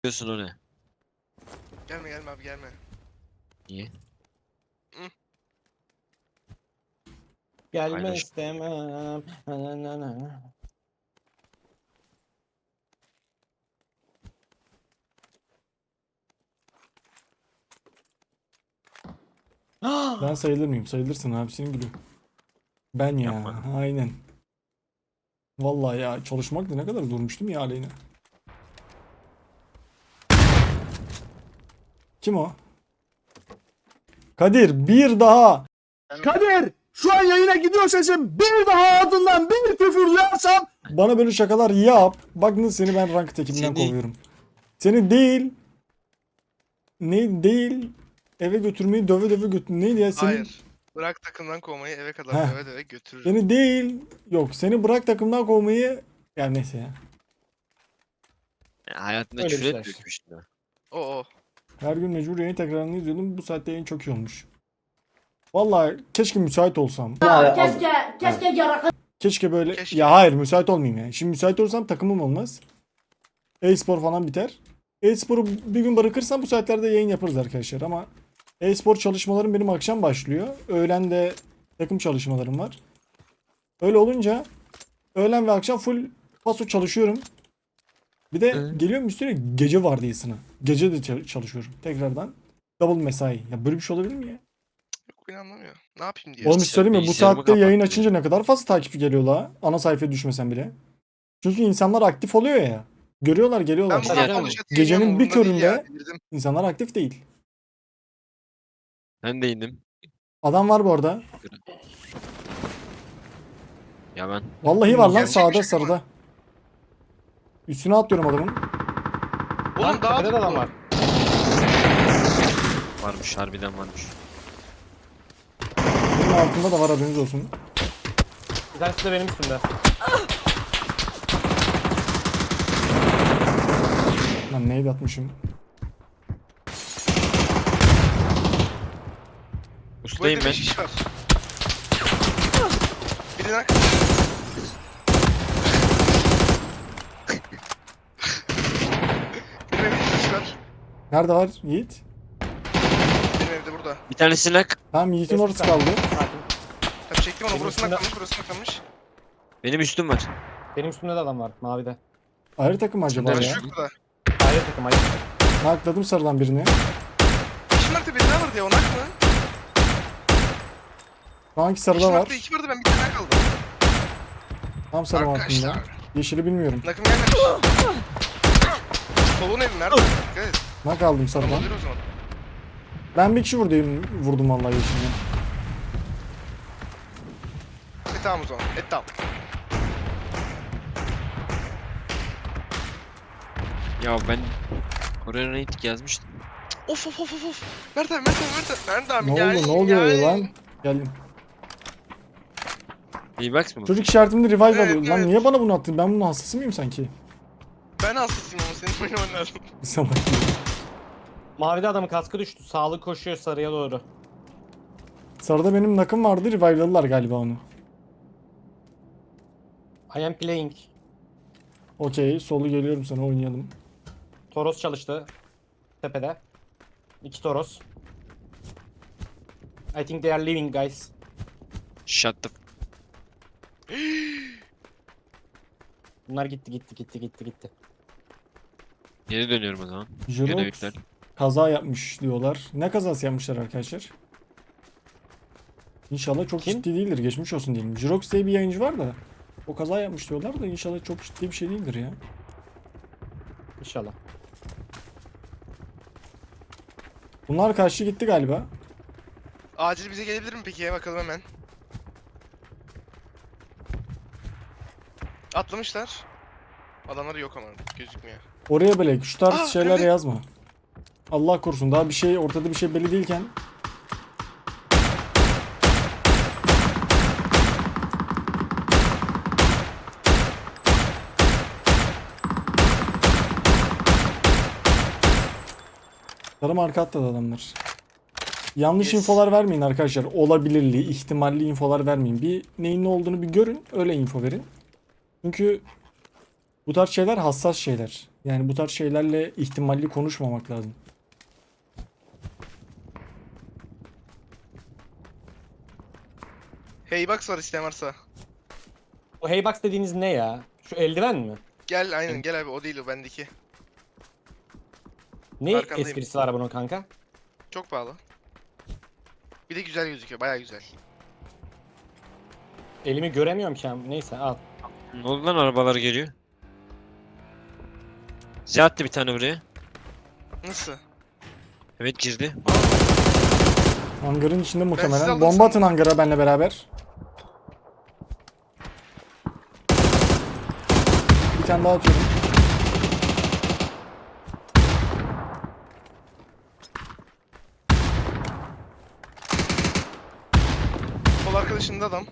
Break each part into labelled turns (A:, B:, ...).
A: Diyorsun o ne?
B: Gelme gelme abi gelme.
A: Niye?
C: Gelme
A: Paylaş.
C: istemem. Na, na, na, na.
D: Ben sayılır mıyım? Sayılırsın abisinin gülü. Ben ya.
A: Yapmadım.
D: Aynen. Vallahi ya çalışmak da ne kadar durmuştum ya aleyhine. Kim o? Kadir bir daha. Kadir şu an yayına gidiyor sesim. Bir daha ardından bir küfür yersem. Bana böyle şakalar yap. Bak nasıl seni ben rank ekibinden
A: Seni-
D: kovuyorum. Seni değil. Ne değil. Eve götürmeyi döve döve götür. Neydi ya senin?
B: Hayır. Bırak takımdan kovmayı eve kadar
D: Heh.
B: döve döve götürürüm.
D: Seni değil. Yok seni bırak takımdan kovmayı. Yani neyse ya.
A: Hayatında
C: Öyle bir
A: küfür
C: şeyler.
A: etmiyor işte.
B: O.
D: Her gün mecbur yayın tekrarını izliyordum. Bu saatte yayın çok iyi olmuş. Vallahi keşke müsait olsam.
E: Keşke yarak.
D: Keşke böyle.
B: Keşke.
D: Ya hayır müsait olmayayım yani. Şimdi müsait olursam takımım olmaz. E-spor falan biter. E-sporu bir gün bırakırsam bu saatlerde yayın yaparız arkadaşlar ama e-spor çalışmalarım benim akşam başlıyor. Öğlen de takım çalışmalarım var. Öyle olunca öğlen ve akşam full paso çalışıyorum. Bir de
A: Hı.
D: geliyorum üstüne gece vardiyasına. Gece de çalışıyorum tekrardan. Double mesai. Ya böyle bir şey olabilir mi ya?
B: Yok beni anlamıyor. Ne yapayım diye.
D: Oğlum hiç söyleyeyim mi? Bu
A: bilgisayarımı
D: saatte yayın
A: kapattım
D: açınca ne kadar fazla takipçi geliyor la. Ana sayfaya düşmesen bile. Çünkü insanlar aktif oluyor ya. Görüyorlar geliyorlar.
B: Ben bu
A: Tabii
B: kadar
A: canım.
B: konuşa
D: Gecenin
B: değilim,
D: bir
B: umurumda değil ya,
D: köründe
B: delirdim.
D: insanlar aktif değil.
A: Ben de indim.
D: Adam var bu arada.
A: Ya ben.
D: Vallahi var lan
B: Gerçek bir
D: sağda
B: şaka
D: sarıda. Üstüne atlıyorum adamın.
B: Oğlum daha
C: Tepede de adam var.
A: Varmış, harbiden varmış.
D: Bunun altında da var haberiniz olsun.
C: Bir tanesi de benim üstümde.
D: Lan neydi atmışım.
B: Bu
A: Ustayım
B: evde
A: ben.
B: 5 kişi var. Biri nak. Benim evde 2 kişi var.
D: Nerede var Yiğit?
B: Benim evde burada.
A: Bir tanesi nak.
D: Tamam Yiğit'in
C: Eski
D: orası
C: kaldı.
D: kaldı.
C: Sakin.
B: Tabii çektim onu.
C: Benim
B: Burası
C: üstümde-
B: naklanmış. Burası naklanmış.
A: Benim üstüm var.
C: Benim üstümde de adam var. Mavide.
D: Ayrı takım mı acaba
A: Sen de
D: ya?
B: Şu burada.
C: Ayrı takım ayrı.
D: Nakladım sarıdan birini.
B: İşin vardı biri daha vardı ya. O nak mı?
D: Şu anki sarıda
B: İşin
D: var.
B: vardı 2 vardı ben bir tane kaldım.
D: Tam sarı markında.
B: Arkadaşlar.
D: Yeşili bilmiyorum.
B: Nakım gelmemiş. Solun evi nerede? Dikkat et.
D: Nak aldım sarıdan.
B: Olabilir o zaman.
D: Ben bir kişi vurdum vallahi yeşilden.
B: Tamam o zaman. Tamam.
A: Ya ben Korean Raid yazmıştım.
B: Of. Mert abi. Mert abi
D: Ne
B: gel.
D: oldu? Ne oluyor
B: gel.
D: lan? Geldim.
A: İyi bak mı bu?
D: Çocuk işaretimde revive
B: Evet,
D: alıyor. Lan
B: evet.
D: niye bana bunu attın? Ben bunun hastası mıyım sanki?
B: Ben hastasıyım ama senin oynaman lazım.
D: Bir salak.
C: Mavide adamın kaskı düştü. Sağlı koşuyor sarıya doğru.
D: Sarıda benim nakım vardı. Revive'ladılar galiba onu.
C: I am playing.
D: Okey. Solu geliyorum sana oynayalım.
C: Toros çalıştı. Tepede. 2 Toros. I think they are leaving guys.
A: Shut the...
C: Bunlar gitti.
A: Geri dönüyorum o zaman.
D: Jirox
A: Görevlikler.
D: kaza yapmış diyorlar. Ne kazası yapmışlar arkadaşlar? İnşallah çok
C: Kim?
D: ciddi değildir. Geçmiş olsun diyelim. Jirox diye bir yayıncı var da. O kaza yapmış diyorlar da inşallah çok ciddi bir şey değildir ya.
C: İnşallah.
D: Bunlar karşı gitti galiba.
B: Acil bize gelebilir mi peki ya bakalım hemen. Atlamışlar. Adamları yok ama gözükmüyor.
D: Oraya böyle şu tarz
B: Aa,
D: şeyler
B: evet.
D: yazma. Allah korusun daha bir şey ortada bir şey belli değilken. Sarı marka atladı adamlar. Yanlış
B: Yes.
D: infolar vermeyin arkadaşlar. Olabilirli, ihtimalli infolar vermeyin. Bir neyin ne olduğunu bir görün, öyle info verin. Çünkü bu tarz şeyler hassas şeyler. Yani bu tarz şeylerle ihtimalli konuşmamak lazım.
B: Hey box var isteyen varsa.
C: O Heybox dediğiniz ne ya? Şu eldiven mi?
B: Gel aynen gel abi o değil o bendeki.
C: Ne
B: Arkandayım.
C: esprisi var bunun kanka?
B: Çok pahalı. Bir de güzel gözüküyor baya güzel.
C: Elimi göremiyorum ki ama. Neyse al.
A: Ne oldu lan, arabalar geliyor. Size attı bir tane buraya.
B: Nasıl?
A: Evet, girdi.
D: Hangarın içinde
B: sizi
D: muhtemelen.
B: aldım
D: Bomba
B: sandım.
D: atın hangara benle beraber. Bir tane daha atıyorum.
B: Sol arkadaşında adam.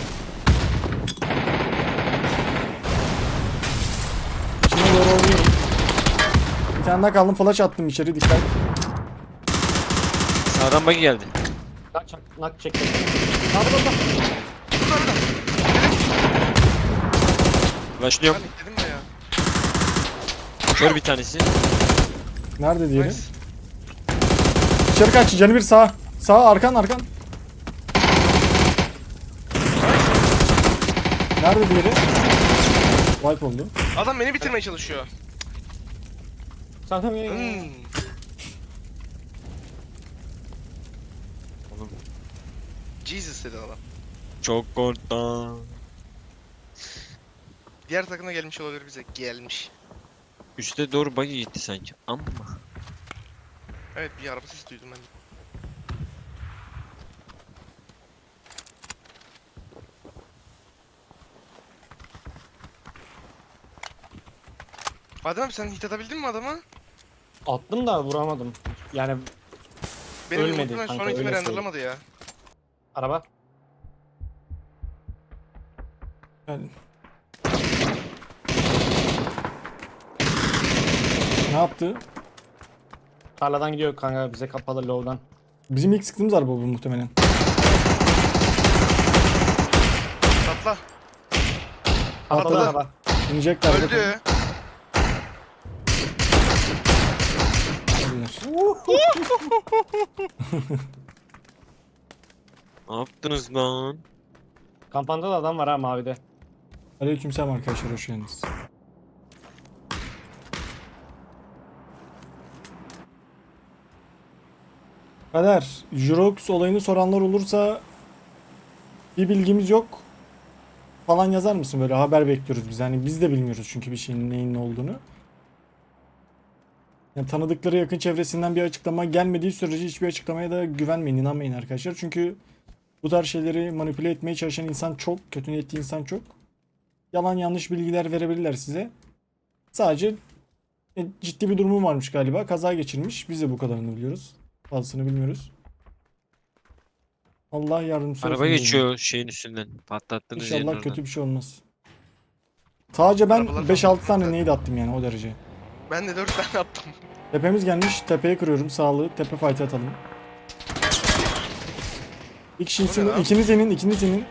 D: İçine doğru oynuyorum. Bir tane daha kaldım. Flash attım içeri. Dikkat.
A: Sağdan buggy geldi.
C: Nak çektim. Abi burada.
B: Burada burada.
A: Başlıyorum.
B: Ben dedim de ya.
A: Kör bir tanesi.
D: Nerede diğeri?
B: Nice.
D: İçeri kaç. Canı bir sağ. Sağ arkan arkan. Nerede diğeri? Wipe oldu.
B: Adam beni bitirmeye çalışıyor.
C: Zaten
B: Hmm.
A: Oğlum,
B: Jesus dedi adam.
A: çok korktum.
B: Diğer takım da gelmiş olabilir bize. Gelmiş.
A: Üste doğru buggy gitti sanki. Amma.
B: Evet bir araba sesi duydum ben. Adem abi sen hit atabildin mi adama?
C: attım da vuramadım. Yani
B: Benim
C: Ölmedi
B: muhtemelen
C: kanka,
B: son hitimi
C: öyle
B: renderlamadı ya.
C: araba.
D: Yani. Ne yaptı?
C: Tarladan gidiyor kanka bize kapalı low'dan.
D: Bizim ilk sıktığımız araba bu muhtemelen.
B: Atla.
C: Kapalı
B: Atladı.
C: araba.
D: İnecekler.
B: Öldü.
D: Öldüler.
A: Ne yaptınız lan?
C: Kampanda da adam var ha mavide.
D: Aleykümselam arkadaşlar, hoş geldiniz. Kader, Jurox olayını soranlar olursa bir bilgimiz yok falan yazar mısın, böyle haber bekliyoruz biz. Hani biz de bilmiyoruz çünkü bir şeyin neyin ne olduğunu. Yani tanıdıkları yakın çevresinden bir açıklama gelmediği sürece hiçbir açıklamaya da güvenmeyin, inanmayın arkadaşlar. Çünkü bu tarz şeyleri manipüle etmeye çalışan insan çok, kötü niyetli insan çok. Yalan yanlış bilgiler verebilirler size. Sadece ciddi bir durumu varmış galiba. Kaza geçirmiş. Biz de bu kadarını biliyoruz. Fazlasını bilmiyoruz. Allah yardımcısı olsun.
A: Araba
D: diyelim.
A: geçiyor şeyin üstünden. Patlattığınız yerin
D: İnşallah
A: oradan.
D: kötü bir şey olmaz. Sadece ben
B: Arabalar
D: 5-6
B: falan
D: tane
B: zaten.
D: neydi attım yani o derece.
B: Ben de 4 tane attım.
D: Tepemiz gelmiş. Tepeye kırıyorum. Sağlığı. Tepe fight'ı atalım. Bir kişi
B: O ne lan?
D: ikiniz inin. İkiniz inin.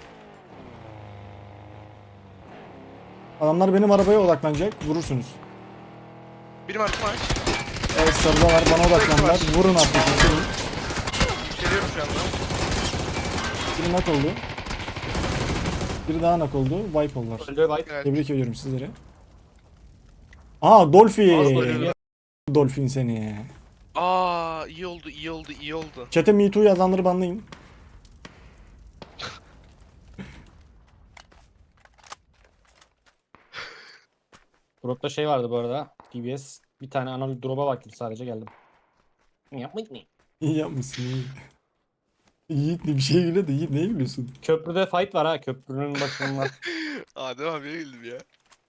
D: Adamlar benim arabaya odaklanacak. Vurursunuz.
B: Benim artık aç.
D: Evet, sarıda var. Bana odaklandılar. Vurun artık. Vurun.
B: Yükseliyorum şu anda.
D: Biri knock oldu. Biri daha knock oldu. Wipe oldular.
C: Öldü white.
B: Evet.
D: Tebrik ediyorum sizlere. Aa, Dolphin.
B: Aslında-
D: Dolphin seni.
B: Aa iyi oldu iyi oldu iyi oldu.
D: Chat'e Me Too yazanları banlayın.
C: Drop'ta şey vardı bu arada. DBS. Bir tane analog drop'a baktım sadece geldim. Yapmayın mı?
D: İyi yapmışsın, iyi. Yiğit bir şey güle de Yiğit neye gülüyorsun?
C: Köprüde fight var ha. Köprünün başında.
B: Adem abiye güldüm ya.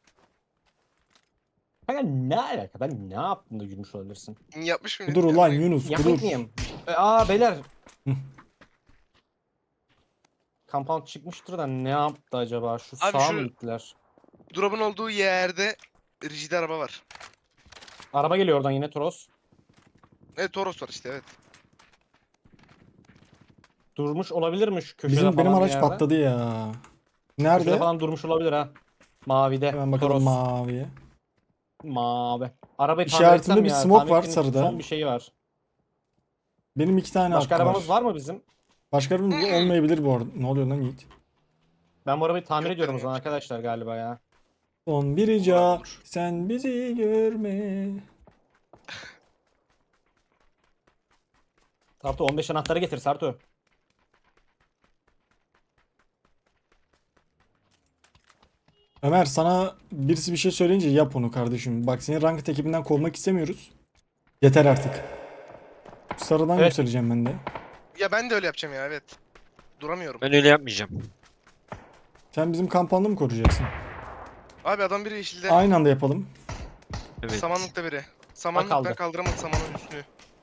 C: Kanka ne alaka? Ben ne yaptım da gülmüş olabilirsin?
B: Yapmış mıyım?
D: Kudur ulan Yunus,
C: Yapmayın
D: kudur.
C: mıyım? Aa beyler. Compound çıkmıştır da ne yaptı acaba? Şu
B: Abi
C: sağa
B: şu-
C: mı gittiler?
B: Drop'un olduğu yerde rigid araba var.
C: Araba geliyor oradan yine Toros.
B: Evet Toros var işte evet.
C: Durmuş olabilir mi şu köşede
D: Bizim
C: falan
D: benim
C: bir
D: araç
C: yerde?
D: patladı ya.
C: Köşede
D: Nerede?
C: falan durmuş olabilir ha. Mavide.
D: Hemen bakalım
C: Toros.
D: maviye.
C: Mavi. Arabayı tamir
D: İşaretinde
C: etsem
D: bir
C: ya.
D: smoke
C: tamir
D: var
C: ettiğim
D: sarıda.
C: Son bir şey var.
D: Benim 2 tane
C: Başka
D: hakkım
C: arabamız var mı bizim?
D: Başka arabamız olmayabilir bu arada. Ne oluyor lan Yiğit?
C: Ben bu arabayı tamir
B: Yok,
C: ediyorum o
B: benim
C: zaman
B: yok.
C: arkadaşlar galiba ya.
D: Son bir
B: Olur
D: rica
B: abi, olur.
D: sen bizi görme.
C: Sartu 15 anahtarı getir Sartu.
D: Ömer sana birisi bir şey söyleyince yap onu kardeşim. Bak seni ranked ekibinden kovmak istemiyoruz. Yeter artık. Sarıdan
C: Evet.
D: göstereceğim ben de.
B: Ya ben de öyle yapacağım ya, evet. Duramıyorum.
A: Ben öyle yapmayacağım.
D: Sen bizim kampanda mı koruyacaksın?
B: Abi adam biri yeşilde.
D: Aynı anda yapalım.
A: Evet.
B: Samanlıkta biri. Samanlık
C: kaldı.
B: ben kaldıramadım samanın üstünü.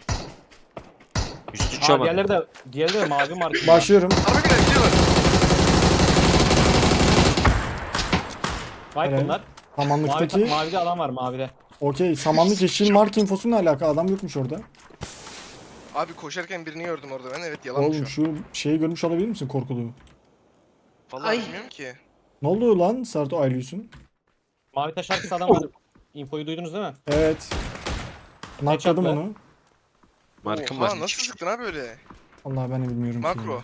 A: Üstü
C: Aa,
A: çamadı.
C: diğerleri de mavi marka.
D: Başlıyorum.
B: Araba geliyor, gidiyorlar.
C: Vay
D: Evet.
C: bunlar.
D: Samanlıktaki.
C: Mavide adam var mavide.
D: Okey. Samanlık yeşil mark infosu ne alaka? Adam yokmuş orada.
B: Abi koşarken birini gördüm orada ben, evet yalanmış
D: Oğlum
B: o.
D: şu şeyi görmüş olabilir misin korkuluğu?
B: Vallahi bilmiyorum ki.
D: Ne oldu lan Sarto ayrılıyorsun?
C: Mavi taş arkası adam var. Infoyu duydunuz değil mi?
D: Evet. Nakladım
C: Headshot'la.
D: onu.
A: Markım
B: Oha,
A: var.
B: nasıl sıktın abi öyle?
D: Allah ben de bilmiyorum ki.
B: Makro.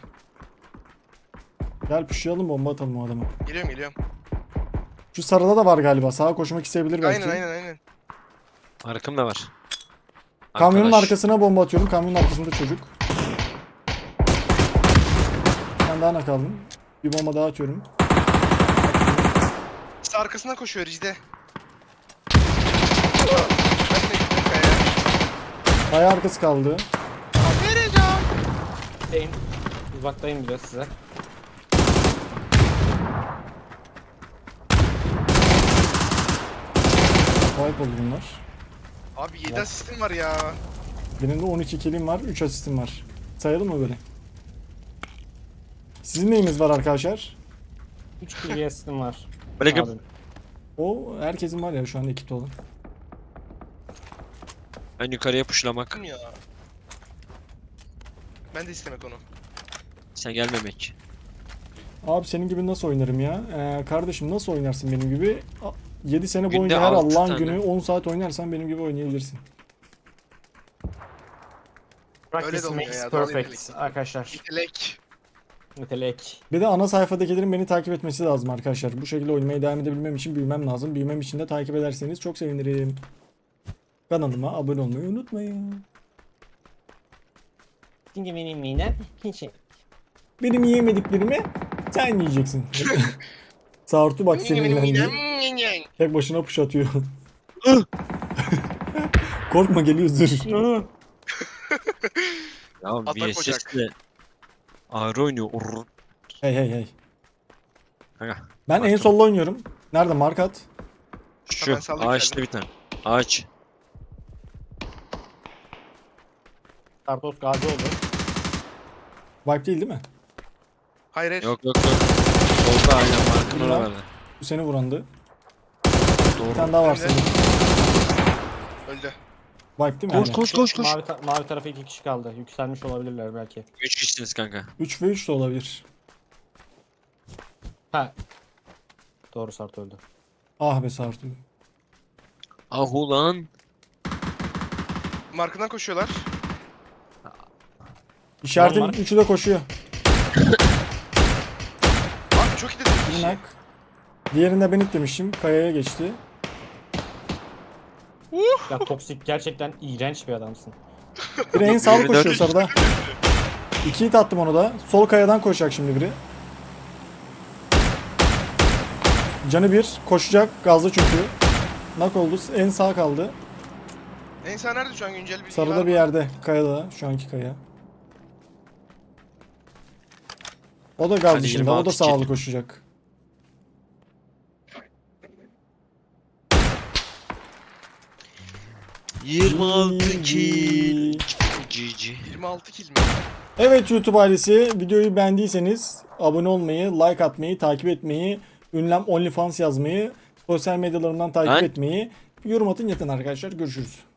D: Gel pushlayalım bomba atalım o adama.
B: Geliyorum.
D: Şu sarıda da var galiba. Sağa koşmak isteyebilir belki.
B: Aynen.
A: Markım da var.
D: Kamyonun
A: Arkadaş.
D: arkasına bomba atıyorum. Kamyonun arkasında çocuk. Ben daha nakaldım. Bir bomba daha atıyorum.
B: İşte arkasından koşuyor Ricde. Ben de gittim kayaya.
D: Kaya arkası kaldı.
B: Vereceğim.
C: Deyin. Uzaktayım biraz size.
D: Wipe oldu bunlar.
B: Abi 7 asistim var ya.
D: Benim de 12 killim var. 3 asistim var. Sayalım mı böyle? Sizin neyiniz var arkadaşlar?
C: 3 kill asistim var.
A: Bırakıp
C: Abi.
D: O herkesin var ya şu an ekipte olan.
A: ben yukarıya puşlamak.
B: Bakın ya. Ben de istemek onu.
A: Sen gelmemek.
D: Abi senin gibi nasıl oynarım ya? Kardeşim nasıl oynarsın benim gibi? 7 sene
A: Günde
D: boyunca her
A: 6
D: Allah'ın
A: tane.
D: günü 10 saat oynarsan benim gibi oynayabilirsin.
C: Practice
B: de olmuyor
C: makes
B: ya, doğru
C: perfect
B: nitelik.
C: arkadaşlar.
B: İtelek.
C: Nitelek.
D: Bir de ana sayfadakilerin beni takip etmesi lazım arkadaşlar. Bu şekilde oynamaya devam edebilmem için büyümem lazım. Büyümem için de takip ederseniz çok sevinirim. Kanalıma abone olmayı unutmayın.
C: Şimdi benim yine hiç.
D: Benim yiyemediklerimi sen yiyeceksin. Sartu bak sinirlendi. Tek başına push atıyor. Korkma geliyoruz dur.
A: Ya
B: Atak ocak.
A: VSS'le ağrı oynuyor. Urr.
D: Hey.
A: Kanka.
D: Ben en
A: Baktım.
D: solda oynuyorum. Nerede markat?
A: Şu
B: Hemen sallayıp
A: ağaçta
B: geldim.
A: bir tane. Ağaç.
C: Kartos gazi oldu.
D: Vibe değil mi?
B: Hayır.
A: Yok. Solda aynen markım
D: Bunlar.
A: oralarda.
D: Bu seni vurandı.
A: Doğru.
D: Bir tane daha var
B: Ben de.
D: senin.
B: Öldü.
D: Vibe değil mi?
A: Koş,
D: Aynen.
A: koş.
C: Mavi tarafı 2 kişi kaldı. Yükselmiş olabilirler belki.
A: 3 kişisiniz kanka.
D: 3 ve 3 de olabilir.
C: Ha. Doğru Sartu öldü.
D: Ah be Sartu.
A: Ah ulan.
B: Markından koşuyorlar.
D: İşaretin
C: Normal.
D: 3'ü de koşuyor.
B: Abi çok iyi dedim.
D: Minak. Diğerinde ben itlemişim. Kayaya geçti.
C: Ya toksik gerçekten iğrenç bir adamsın.
D: Biri en sağlı
A: Biri de-
D: koşuyor sarıda. 2 hit attım onu da. Sol kayadan koşacak şimdi biri. Canı 1. Koşacak. Gazlı çünkü. Nak oldu. En sağ kaldı.
B: Neyse nerede şu an güncel bilgi var
D: Sarıda
B: mı?
D: bir yerde. Kayada. Şu anki kaya. O da gazlı
A: Hadi
D: şimdi. O da
A: 26
D: sağlı
A: kill.
D: koşacak.
A: %26 kill. GG.
B: 26 kill mi?
D: Evet YouTube ailesi, videoyu beğendiyseniz abone olmayı, like atmayı, takip etmeyi, ünlem OnlyFans yazmayı, sosyal medyalarımdan takip
A: Lan.
D: etmeyi, yorum atın yeter arkadaşlar. Görüşürüz.